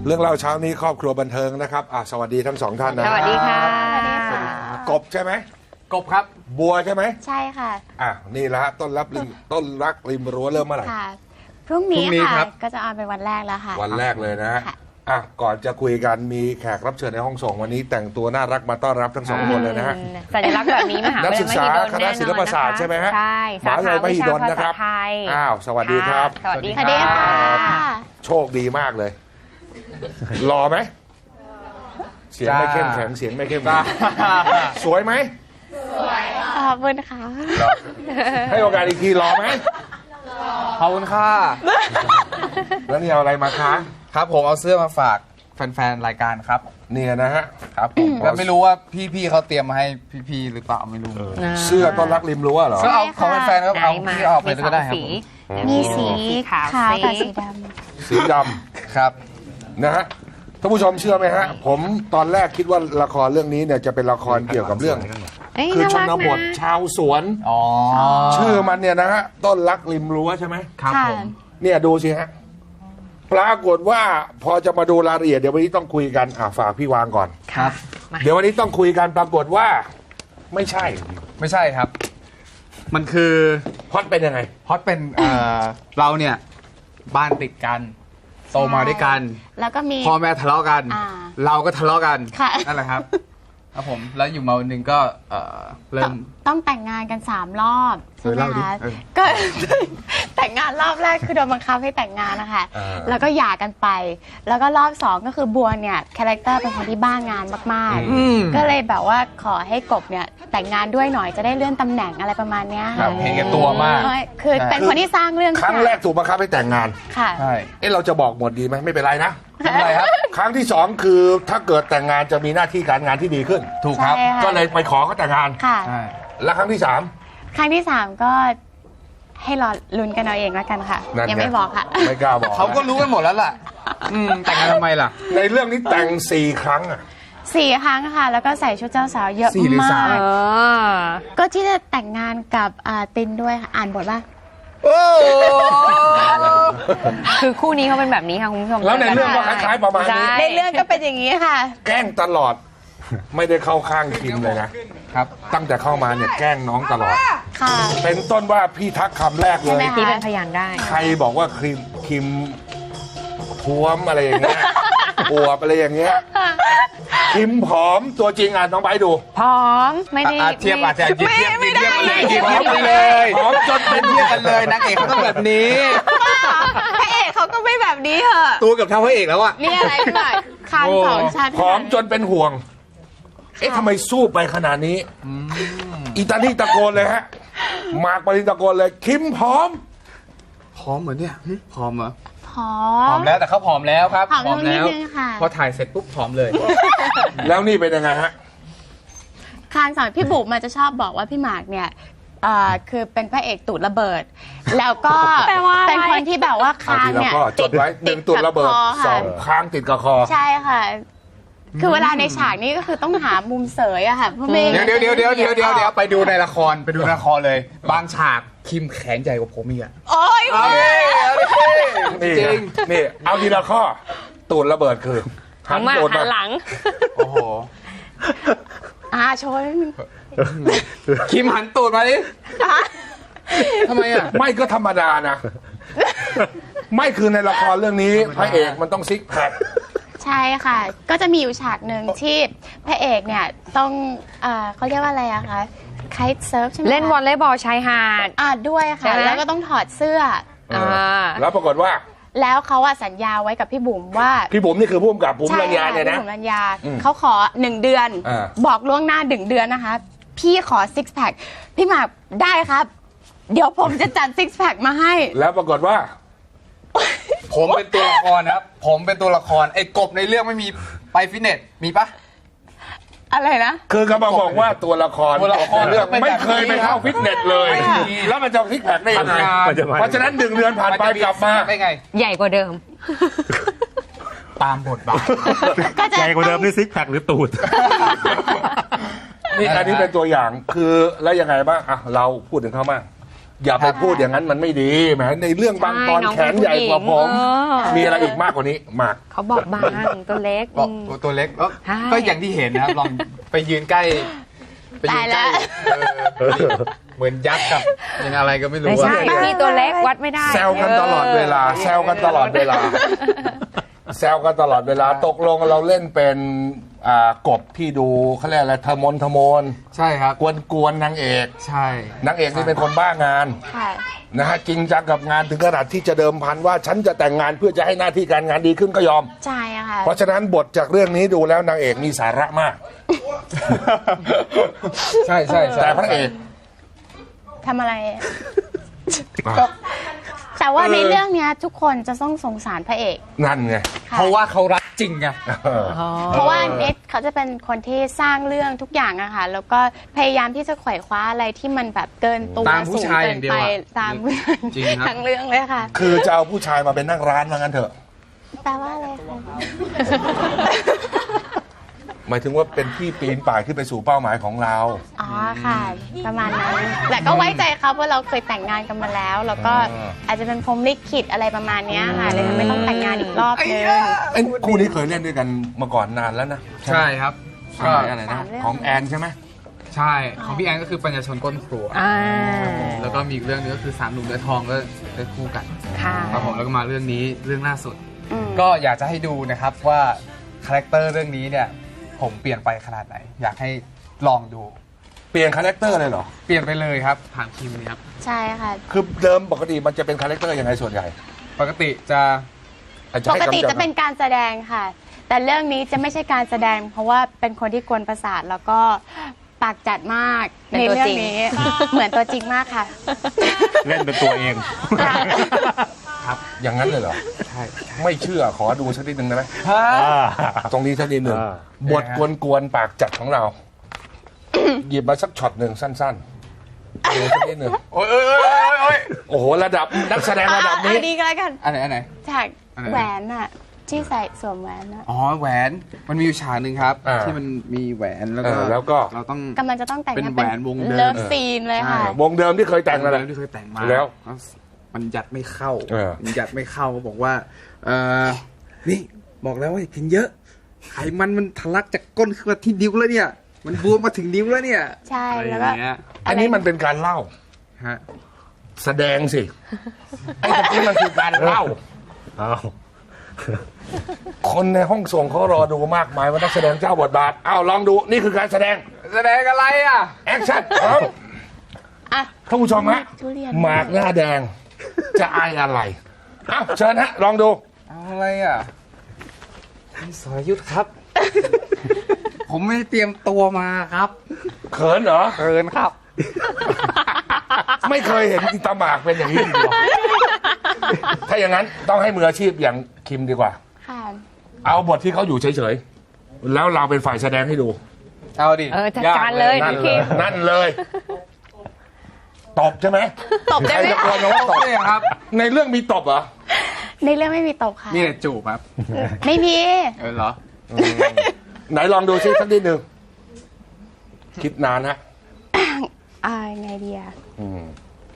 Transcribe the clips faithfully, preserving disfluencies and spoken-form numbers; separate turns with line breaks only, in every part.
เรื่องเล่าเช้านี้ครอบครัวบันเทิงนะครับอ่ะสวัสดีทั้งสองท่านนะ
สวัสดีค่ะ
กบใช่ไหม
กบครับ
บัวใช่ไหม
ใช่ค่ะ
อ่ะนี่แหละฮะต้นรับริมต้นรักริมรั้วเริ่มเมื่อไหร่
ค่ะ พรุ่งนี้
พรุ่งนี้ครั
ค่ะ
บ
ก็จะออนเป็นวันแรกแล้วค่ะ
วันแรกเลยนะฮะ
ค่ะ
อ่ะก่อนจะคุยกันมีแขกรับเชิญในห้องส่งวันนี้แต่งตัวน่ารักมาต้อนรับทั้งสองคนเลยนะฮะ
สัญลักษณ์แบบนี้มหา
นัก
วิท
ศึ
ยาก ลัย
ษาม
หิดล
คณะศิลปศาสตร์ใช่ไหมฮะ
ใช่
มหาวิทยาลัยมหิดลนะครับ
สาขาวิชาภาษาไทย
อ้าวสวัสดีครับ
สวัสดี
สวัสดีค่ะ
โชคดีมากเลยรอไหมเสียงไม่เข้มแข็งเสียงไม่เข้มแข็งสวยไหม
ขอบคุณค่ะ
ให้โอกาสอีกทีรอไหม
ขอบคุณค่ะ
แล้วนี่เอาอะไรมาคะ
ครับผมเอาเสื้อมาฝากแฟนๆรายการครับ
เนี่ยนะฮะ
ครับผมแล้วไม่รู้ว่าพี่ๆเขาเตรียมมาให้พี่ๆหรือเปล่าไม่รู้
เสื้อต้อนรักริมรั้วเหรอ
ก็เอาของแฟนๆครับเอา
ไหนมา
พี่เอาไปก็ได้ครับ
มี
ผม
สอง
มีสี
สีขาว
ขาวกับ
สี
สีด
สีด
ครับ
ำนะฮะท่านผู้ชมเชื่อไหมฮะผมตอนแรกคิดว่าละครเรื่องนี้เนี่ยจะเป็นละครเกี่ยวกับเรื่อง
เอ้ย
คือช
น่ารัก
นบท
นะ
ชาวสวน
อ๋อ
ชื่อมันเนี่ยนะฮะต้นรักริมรั้วใช่ไหม
ครับ
ค่ะ
ผม
เนี่ยดูสิฮะปรากฏว่าพอจะมาดูรายละเอียดเดี๋ยววันนี้ต้องคุยกันอ่ะฝากพี่วางก่อน
ครับ
เดี๋ยววันนี้ต้องคุยกันปรากฏว่าไม่ใช่
ไม่ใช่ครับ มันคือ
พล็อดเป็นยังไง
ฮอตเป็นเอ่อเราเนี่ยบ้านติดกันโตมาด้วยกัน
ำแล้วก็มี
พ่อแม่ทะเลาะกัน
อ่า
เราก็ทะเลาะกัน
ค่ะ
นั่นแหละครับ ครับผมแล้วอยู่มาวันหนึ่งก็เอ่อเริ่
ต้อง
ม
ต้องแต่งงานกันสามรอบใช่ไหม
เออเล่าดิ
คะ
เออ
ก็ แต่งงานรอบแรกคือโดนบังคับให้แต่งงานนะคะ
อ่า
แล้วก็หย่ากันไป แล้วก็รอบสองก็คือบัวเนี่ยคาแรคเตอร์เป็นคนที่บ้างานมาก
อืม
ๆ ก็เลยแบบว่าขอให้กบเนี่ยแต่งงานด้วยหน่อยจะได้เลื่อนตำแหน่งอะไรประมาณเนี้ย
ครับเห็นแก่ตัวมาก
เอ้ยคือเป็นคนที่สร้างเรื่อง
ครั้งแรกถูกบังคับให้แต่งงาน
ค่ะ
ใช่
เอ๊ะเราจะบอกหมดดีไหมไม่เป็นไรนะ
ทำอะไรครับ
ครั้งที่สองคือถ้าเกิดแต่งงานจะมีหน้าที่การงานที่ดีขึ้น
ถูกครับ
ใช่ค่ะ
ก็เลยไปขอเขาแต่งงาน
ค่ะ
ใช่
แล้วครั้งที่สาม
ครั้งที่สามก็ให้รอลุ้นกันเอาเองแล้วกันค่ะ
นั่นไง
ยังไม่บอกค่ะ
ไม่กล้าบอก
เขาก็รู้กันหมดแล้วล่ะ อืมแต่งงานทำไมล่ะ
ในเรื่องนี้แต่งสี่ครั้งอ่ะ
สี่ครั้งค่ะ แล้วก็ใส่ชุดเจ้าสาวเยอะ
สี่หรือ
มา
สาม
ก
เออ
ก็ที่จะแต่งงานกับอ่าตินด้วยค่ะ อ่านบทว่า
โอ้
คือคู่นี้เขาเป็นแบบนี้ค่ะคุณผู้ชม
แล้วในเรื่องก็คล้ายๆประมาณนี้
ใช่
ในเรื่องก็เป็นอย่างนี้ค่ะ
แกล้งตลอด ไม่ได้เข้าข้างคิมเลยนะ
ครับ
ตั้งแต่เข้ามาเนี่ยแกล้งน้องตลอด
ค่ะ
เป็นต้นว่าพี่ทักคำแรกเล
ใช่
ย
ไหม
ที่เป็นพยานได้
ใครบอกว่าคิมคิมท้วมอะไรอย่างเงี้ย อวบอะไรอย่างเงี้ยคิมผอมตัวจริงอ่ะน้องไบร์ทดู
พร้อมไม่ได้
อ่ะเทียบอาจจะหยิบเทียบ
ไม่
หยิบ
ได้
เทียบกันเลยหยิบเทียบกันเลย
ผอมจนเป็น
เทียบกันเลยนางเอกเขาต้องแบบนี้
พระเอกเขาก็ไม่แบบนี้เหอะ
ตัวกับเท่าพระเอกแล้วอะ
นี่อะไรพี่หน่อยคางสองชั้น
ผอมจนเป็นห่วง เอ๊ะทำไมสู้ไปขนาดนี้อีตานี่ตะโกนเลยฮะมาร์กปรินตะโกนเลยคิมผอม
ผอมเหมือนเนี่ยหึผอมเหรอ
ผอ
ผอ
ม
มแล้วแต่เขาผอมแล้วครับ
ผอมลงนิดนึงค่ะ
พอถ่ายเสร็จปุ๊บผอมเลย
แล้วนี่เป็นยังไงฮะ
คางสอนพี่บุ๋มมันจะชอบบอกว่าพี่หมากเนี่ยเอ่อคือเป็นพระเอกตูดระเบิด แล้วก็
แปลว่าอะไร
เป็นคนที่แบบว่าคาง
เอาทีละ
เนี่ย
ข้อจดไว้หนึ่งตุดระเบิด
กับค
ส
ค่ะ
องค้างติดกับคอ
ใช่ค่ะ คือเวลาในฉากนี้ก็คือต้องหามุมเสยอะค่ะเพราะไม่
เดี๋ยวเดี๋ยวเดี๋ยวเดี๋ยวเดี๋ยวเดี๋ยวเดี๋ยวไปดูในละครไปดูในละครเลย บางฉากคิมแขนใหญ่กว่าผมอีกอะ
โอ๊ย
เอาดิเอาดิ
นี่
จริง
นี่เอาทีละข้อ ตูดระเบิดคือ
หันมา
ตูด
หันหลัง
โอ้โห
อ่าโชว์นิดนึง
คิมหันตูดมาดิทำไมอะ
ไม่ก็ธรรมดานะ ไม่คือในละครเรื่องนี้พระเอกมันต้องซิกแพค
ใช่ค่ะ ก็จะมีอยู่ฉากหนึ่งที่พระเอกเนี่ยต้องเอ่อเขาเรียกว่าอะไรอะคะไคท์เซิร์ฟใช่ไหมคะ
เล่นวอลเลย์บอลชายหาด
อ่าด้วย
ใช่
ค่ะ
ไหม
แล้วก็ต้องถอดเสื้อ
เออแล้วปรากฏว่า
แล้วเขาอะสัญญาไว้กับพี่บุ๋มว่า
พี่บุ๋มนี่คือผู้กำกับบุ๋ม
ใช่
รัญญา
ค่ะ
เนี่ยนะ
พี่บุ๋มรัญญา
อืม
เขาขอหนึ่งเดือน
อ่า
บอกล่วงหน้าหนึ่งเดือนนะคะ พี่ขอซิกแพคพี่หมากได้ครับ เดี๋ยวผมจะจัดซิกแพคมาให้
แล้วปรากฏว่า
ผมเป็นตัวละครนะครับ ผมเป็นตัวละครไอ้กบในเรื่องไม่มีไปฟิตเนสมีปะ
อะไรนะ
คือกำลังบอกว่าตัวละคร
ตัวละคร
เรื่อง
เป็นแบบ
ไม่เคยไปเข้าฟิตเนสเลย
ไม่มี
แล้วมันจะซิกแพคได้ยังไง
ทำงาน
เพราะฉะนั้นหนึ่งเดือนผ่านไปกลับมา
ได้ไง
ใหญ่กว่าเดิม
ตามบทบาท
ก็จะ
ใหญ่กว่าเดิมนี่ซิกแพคหรือตูด
นี่อันนี้เป็นตัวอย่างคือแล้วยังไงบ้างอ่ะเราพูดถึงเขาบ้างอย่าไปพูดอย่างนั้นมันไม่ดีแหมในเรื่องบางตอน
ใช่น้อง
แขนใหญ่กว่าผม
เออ
มีอะไรอีกมากกว่านี้มาก
เขาบอกบางตัวเล็ก
บอก
อืม
ตัวเล็กก็
ใช่
ก็อย่างที่เห็นนะครับ ลองไปยืนใกล้ไปยืนใกล้
ตายแล้ว
เออเหมือนยักษ์กับยังอะไรก็ไม่รู้
ไม่ใช่
อะ
พี่ตัวเล็กวัดไม่ได้
แซวกันตลอดเวลาแซวกันตลอดเวลาแซวกันตลอดเวลาตกลงเราเล่นเป็นอ่ากบที่ดูเขาเรียกอะไรทะมนทะมน
ใช่ครับ
กวนกวนๆนางเอก
ใช่
นางเอกนี่เป็นคนบ้างาน
ค่ะ
นะฮะจริงจังกับงานถึงขนาดที่จะเดิมพันว่าฉันจะแต่งงานเพื่อจะให้หน้าที่การงานดีขึ้นก็ยอม
ใช่อะค่ะ
เพราะฉะนั้นบทจากเรื่องนี้ดูแล้วนางเอกมีสาระมาก
ใช่ใช่ใช่
แต่พระเอก
ทำอะไร ก็แต่ว่าในเรื่องเนี้ยทุกคนจะต้องสงสารพระเอก
นั่นไง
ค่ะ
เพราะว่าเขารักจริงไง
เออ
เพราะว่าเน็ตเขาจะเป็นคนที่สร้างเรื่องทุกอย่างอะค่ะ แล้วก็พยายามที่จะไขว่คว้าอะไรที่มันแบบเกินตัว
ตามผู้
สูง
ชาย
เกิ
อย่างเดียว
ไป
อะ
ตามผู้ชาย
จริงครับ
ทั้งเรื่องเลยค่ะ
คือจะเอาผู้ชายมาเป็นนั่งร้านว่างั้นเถอะ
แปลว่าอะไรคะ
หมายถึงว่าเป็นที่ปีนป่ายขึ้นไปสู่เป้าหมายของเรา
อ๋อค่ะ ประมาณนั้นแต่ก็ไว้ใจเขาเพราะเราเคยแต่งงานกันมาแล้ว แล้วก็
อ่า
อาจจะเป็นพรหมลิขิตอะไรประมาณเนี้ยค่ะเลยทำไม่ต้องแต่งงานอีกรอบนึง
เอ้ยคู่นี้เคยเล่นด้วยกันมาก่อนนานแล้วนะ
ใช่ครับ
ส
ก็
มัยอะไรนะ
สามเรื่อง
ของแอนใช่ไหม
ใช่ของพี่แอนก็คือปัญญาชนก้นครัว
อ่า
แล้วก็มีอีกเรื่องนึงก็คือสามหนุ่มเนื้อทองก็ได้คู่กัน
ค่ะ
ครับผมแล้วก็มาเรื่องนี้เรื่องล่าสุด
อืม
ก็อยากจะให้ดูนะครับว่าคาแรคเตอร์เรื่องนี้เนี่ยผมเปลี่ยนไปขนาดไหน อยากให้ลองดู
เปลี่ยนคาแรคเตอร์เลยเหรอ
เปลี่ยนไปเลยครับผ่านทีมนี้ครับ
ใช่ค่ะ
คือเดิมปกติมันจะเป็นคาแรคเตอร์ยังไงส่วนใหญ่
ปกติจะ
อาจจะ
ป
ให้
กติ
กำบ
จะเป็นการแสดงค่ะ แต่เรื่องนี้จะไม่ใช่การแสดง เพราะว่าเป็นคนที่กวนประสาทแล้วก็ปากจัดมาก
เป็น
ใน
ตัว
เรื่อง
จริง
นี้ เหมือนตัวจริงมากค่ะ
เล่นเป็นตัวเอง
ค่ะ
ครับ
อย่างนั้นเลยเหรอ
ใช่
ไม่เชื่อขอดูสักนิดหนึ่งได้ไหม
ฮะ
ตรงนี้สักนิดหนึ่ง
อ่า
บทกวนๆปากจัดของเรา หยิบมาสักช็อตหนึ่งสั้นๆดูสักนิดหนึ่ง
โอ้ยโอ้ยโอ้ยโอ้ยโอ้ย
โอ้โหระดับนักแสดงระดับ
อั
นี้
นนี้ก็แล้วกัน
อันไหนอันไหน
ฉาก
อันไหน
แหวนอะที่ใส่สวมแหวนอะ
อ๋อแหวนมันมีอยู่ฉากหนึ่งครับ
อ่า
ที่มันมีแหวนแล้ว
เอ
ก็
อแล้วก็
เราต้อง
กำลังจะต้องแต่ง
เป็น
งาน
แหวนวงเดิม
เลิฟซีนเลยค่ะ
ใช่
วงเดิมที่เคยแต่งนั่นแหละ
ที่เคยแต่งมา
แล้ว
มันยัดไม่เข้า
เออ
มันยัดไม่เข้าก็บอกว่าเออนี่บอกแล้วว่าอย่ากินเยอะไขมันมันทะลักจากก้นขึ้นมาที่นิ้วแล้วเนี่ย มันบวมมาถึงนิ้วแล้วเนี่ย
ใช่
อะไรอ
แล้ว
ย่า
ก็
งเงี้ย
อันนี้มันเป็นการเล่า
ฮะ
แสดงสิ ไอ้ตรงนี้มันคือการเล่า
อ้าว
คนในห้องส่งเขารอดูมากมายว่านักแสดงเจ้าบทบาทอ้าวลองดูนี่คือการแสดง
แสดงอะไรอ่ะ
แอคชั่นพร้อม
อ่ะ
ท่านผู้ชมฮะ
ทุเรียน
หมากหน้าแดง จะอายอะไรอ้าวเชิญฮะ ลองดู
เอาอะไรอ่ะพี่สรยุทธครับ ผมไม่ได้เตรียมตัวมาครับ
เขินเหรอ
เกินครับ
ไม่เคยเห็นตาหมากเป็นอย่างนี้จริงๆถ้าอย่างนั้นต้องให้มืออาชีพอย่างคิมดีกว่า
ค่ะ
เอาบทที่เขาอยู่เฉยๆ แล้วเราเป็นฝ่ายแสดงให้ดู
เอาดิ
เออจัดการเลย
นั่น
พี่
เล
คิ
ย
ม
นั่นเลย ตบใช่ไหม
ตบได้ไหม
ใครจะกลัวน้องว่าตบ
เลยครับ
ในเรื่องมีตบเหรอ
ในเรื่องไม่มีตกค่ะ
นี่แหละจูบครับ
ไม่มี
เออเหรอ
ไหนลองดูซิสักนิดหนึ่งคิดนานฮะ
อ่าไงดีอะ
อืม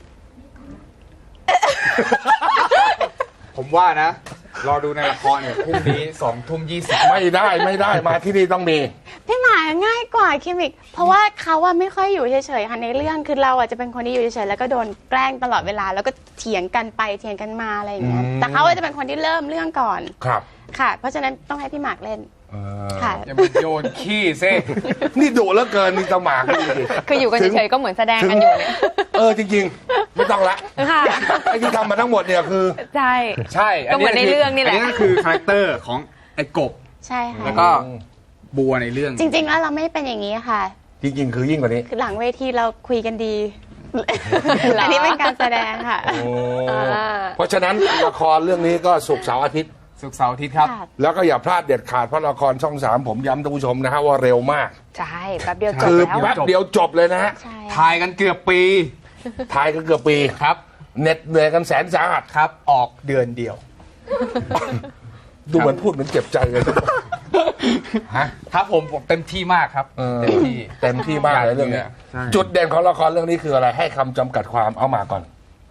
ผมว่านะ รอดูในละครเนี่ยพรุ่งนี้สองทุ่มยี่สิบ
ไม่ได้ไม่ได้มาที่นี่ต้องมี
พี่หมาง่ายกว่าคิมอีก เพราะว่าเขาอะไม่ค่อยอยู่เฉยๆค่ะในเรื่องคือเราอะจะเป็นคนที่อยู่เฉยๆแล้วก็โดนแกล้งตลอดเวลา แล้วก็เถียงกันไปเถียงกันมาอะไรอย่างเงี้ย
อืม
แต่เขาอะจะเป็นคนที่เริ่มเรื่องก่อน
ครับ
ค่ะ เพราะฉะนั้นต้องให้พี่หมากเล่น
เออ
ค่ะ
อย่ามาโยนขี้ซิ
นี่ดุเหลือเกินมีตาหมากนี่ดิ
คืออยู่กัน
ถึง
เฉยๆก็เหมือนแสดงกันอยู่เนี่ย
เออจริงๆ ไม่ต้องละ
ค่ะ
ไอ้ที่ทำมาทั้งหมดเนี่ยคือ
ใช่
ใช่
ก็เหมือนในเรื่องนี่แหละ
อันนี้ก็คือคาแรคเตอร์ของไอ้กบ
ใช่ค่ะ
แล้วก็บัวในเรื่อง
จริงๆแล้วเราไม่เป็นอย่างนี้ค่ะ
จริงๆ คือยิ่งกว่านี้
คือหลังเวทีเราคุยกันดี อันนี้เป็นการแสดงค่ะ
โอ้
อ่า
เพราะฉะนั้นละครเรื่องนี้ก็ศุกร์เสาร์อาทิตย์
สุกร์เสาร์อาทิตย์ครับ
ค่ะ
แล้วก็อย่าพลาดเด็ดขาดเพราะละครช่องสามผมย้ำท่านผู้ชมนะฮะว่าเร็วมาก
ใช่แป๊บเดียวจบ
คือ
แล้ว
แป๊บเดียวจบเลยนะฮะ
ใช่
ถ่ายกันเกือบปี
ถ่ายกันเกือบปี
ครับ
เหน็ดเหนื่อยกันแสนสาหัส
ครับ ออกเดือนเดียว
ดูเหมือนพูดเหมือนเจ็บใจเลยฮะ
ครับผมผมเต็มที่มากครับ
เออ
เต็มที่
เต็มที่มากเลยเรื่องนี้
ใช่
จุดเด่นของละครเรื่องนี้คืออะไรให้คำจำกัดความเอามาก่อน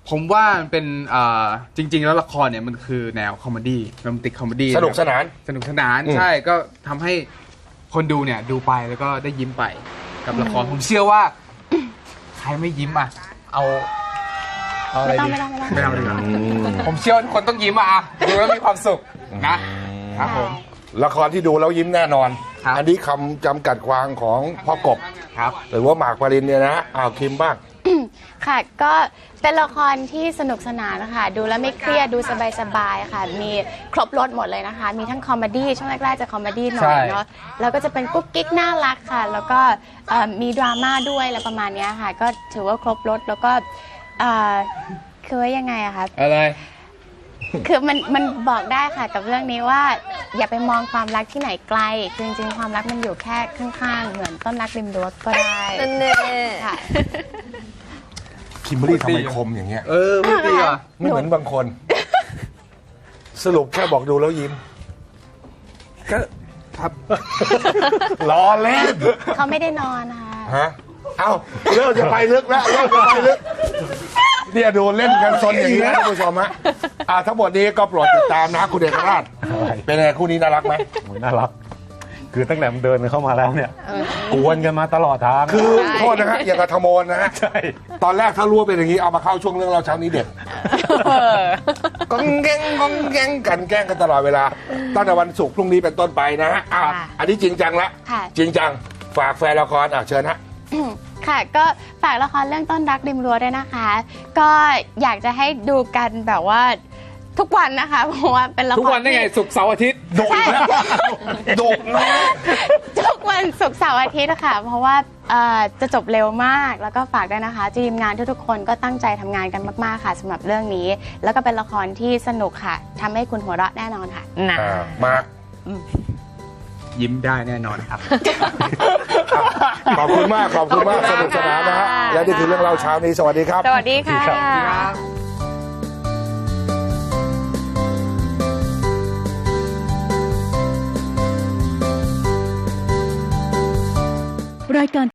ผมว่ามันเป็นอ่าจริง ๆ แล้วละครเนี่ยมันคือแนวคอมเมดี้โรแมนติกคอมเมดี้
สนุกสนาน
สนุกสนาน
อืม
ใช่ก็ทำให้คนดูเนี่ยดูไปแล้วก็ได้ยิ้มไปกับละครผมเชื่อว่า ใครไม่ยิ้มอ่ะเอาเอาอะไร
ไม่
ดี
ต้องไม่ต้องไม่ต้อง
ไม่เอาดีกว่าผมเชื่อว่าทุกคนต้องยิ้มอ่ะดูแล้วมีความสุขนะครับผม
ละครที่ดูแล้วยิ้มแน่นอน
ครับ
อันนี้คำจำกัดความของพ่อกบ
ครับ
หรือว่าหมากปรินเนี่ยนะอ้าวคิมบ้าง
ค่ะก็เป็นละครที่สนุกสนานนะคะดูแล้วไม่เครียดดูสบายๆค่ะมีครบรถหมดเลยนะคะ มีทั้งคอมเมดี้ช่วงแรกๆจะคอมเมดี้หน่อยเนาะแล้วก็จะเป็นกุ๊กกิ๊กน่ารักค่ะ แล้วก็เอ่อมีดราม่าด้วยอะไรประมาณเนี้ยค่ะ ก็ถือว่าครบรถแล้วก็เอ่อคือว่ายังไงอะคะ
อะไร
คือมันมันบอกได้ค่ะกับเรื่องนี้ว่า อย่าไปมองความรักที่ไหนไกลคือจริงๆความรักมันอยู่แค่ข้างๆ เหมือนต้นรักริมรั้วก็ได้
นั่นเน่
ค่ะ
คิมเบอรรี่ทำไมคมอย่างเงี้ย
เออพูดดีว่ะ
ไม่เหมือนบางคน สรุปแค่บอกดูแล้วยิ้ม
ก็ครับ
ล้อเล่น
เขาไม่ได้นอนนะคะ
ฮะ เอ้าเริ่มจะไปลึกแล้วเริ่มจะไปลึกเนี่ยดูเล่นกันซนอย่างนี้นะท่านผู้ชมฮะอ่าทั้งหมดนี้ก็โปรดติดตามนะคุณเอกราชเป็นไงคู่นี้น่ารักไหม
โอ้ยน่ารัก คือตั้งแต่มันเดินเข้ามาแล้วเนี่ยกวนกันมาตลอดทาง
คือโทษนะฮะอย่างกับธโมนนะฮะ
ใช่
ตอนแรกถ้ารู้ว่าเป็นอย่างนี้เอามาเข้าช่วงเรื่องเราเช้านี้เด็กก้องแกงก้องแกงกันแกล้งกันตลอดเวลาตั้งแต่วันศุกร์พรุ่งนี้เป็นต้นไปนะฮะอ่ะอันนี้จริงจังละ
ค่ะ
จริงจังฝากแฟนละครอ่ะเชิญฮะ
ค่ะก็ฝากละครเรื่องต้นรักริมรั้วด้วยนะคะ ก็อยากจะให้ดูกันแบบว่าทุกวันนะคะ เพราะว่าเป็นละคร
ทุกวันได้ไง
ที่
ศุกร์เสาร์อาทิตย์
ดุอีกแล้วดุนะ
ทุกวันศุกร์เสาร์อาทิตย์นะคะเพราะว่าเอ่อจะจบเร็วมากแล้วก็ฝากด้วยนะคะทีมงานทุกๆคนก็ตั้งใจทำงานกันมากๆค่ะสำหรับเรื่องนี้ แล้วก็เป็นละครที่สนุกค่ะทำให้คุณหัวเราะแน่นอนค่ะ
นะ
อ่ามาร์ค
ยิ้มได้แน่นอนครับ
ขอบคุณมากขอบคุณมาก
ข
ส
อบคุณมาก
นุกสนานนะฮะ
ค่ะ
และนี่คือเรื่องเราเช้านี้สวัสดีครับ
สวัสดีค่ะ
รายการ